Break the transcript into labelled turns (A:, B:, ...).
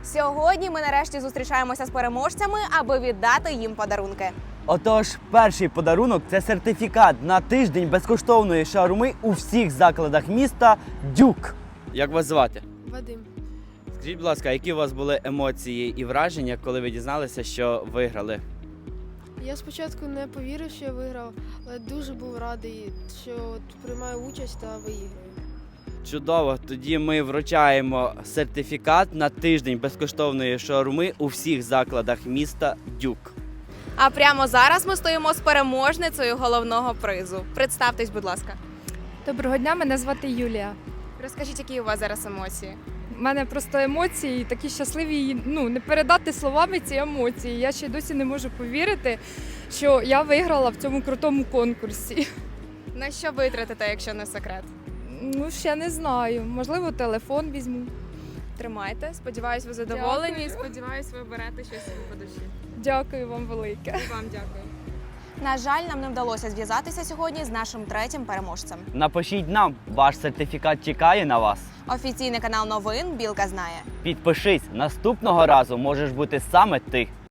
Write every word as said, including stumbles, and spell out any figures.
A: Сьогодні ми нарешті зустрічаємося з переможцями, аби віддати їм подарунки.
B: Отож, перший подарунок – це сертифікат на тиждень безкоштовної шаурми у всіх закладах міста «Дюк». Як вас звати?
C: Вадим.
B: Скажіть, будь ласка, які у вас були емоції і враження, коли ви дізналися, що виграли?
C: Я спочатку не повірив, що я виграв, але дуже був радий, що от приймаю участь та виіграю.
B: Чудово! Тоді ми вручаємо сертифікат на тиждень безкоштовної шаурми у всіх закладах міста «Дюк».
A: А прямо зараз ми стоїмо з переможницею головного призу. Представтесь, будь ласка.
D: Доброго дня, мене звати Юлія.
A: Розкажіть, які у вас зараз емоції?
D: У мене просто емоції такі щасливі, ну не передати словами ці емоції. Я ще й досі не можу повірити, що я виграла в цьому крутому конкурсі.
A: На що витратите, якщо не секрет?
D: Ну, ще не знаю. Можливо, телефон візьму.
A: Тримайте. Сподіваюсь, ви задоволені.
D: Дякую.
A: Сподіваюсь, ви берете щось собі по душі.
D: Дякую вам велике.
A: І вам дякую. На жаль, нам не вдалося зв'язатися сьогодні з нашим третім переможцем.
B: Напишіть нам, ваш сертифікат чекає на вас.
A: Офіційний канал новин «Білка знає».
B: Підпишись, наступного разу можеш бути саме ти.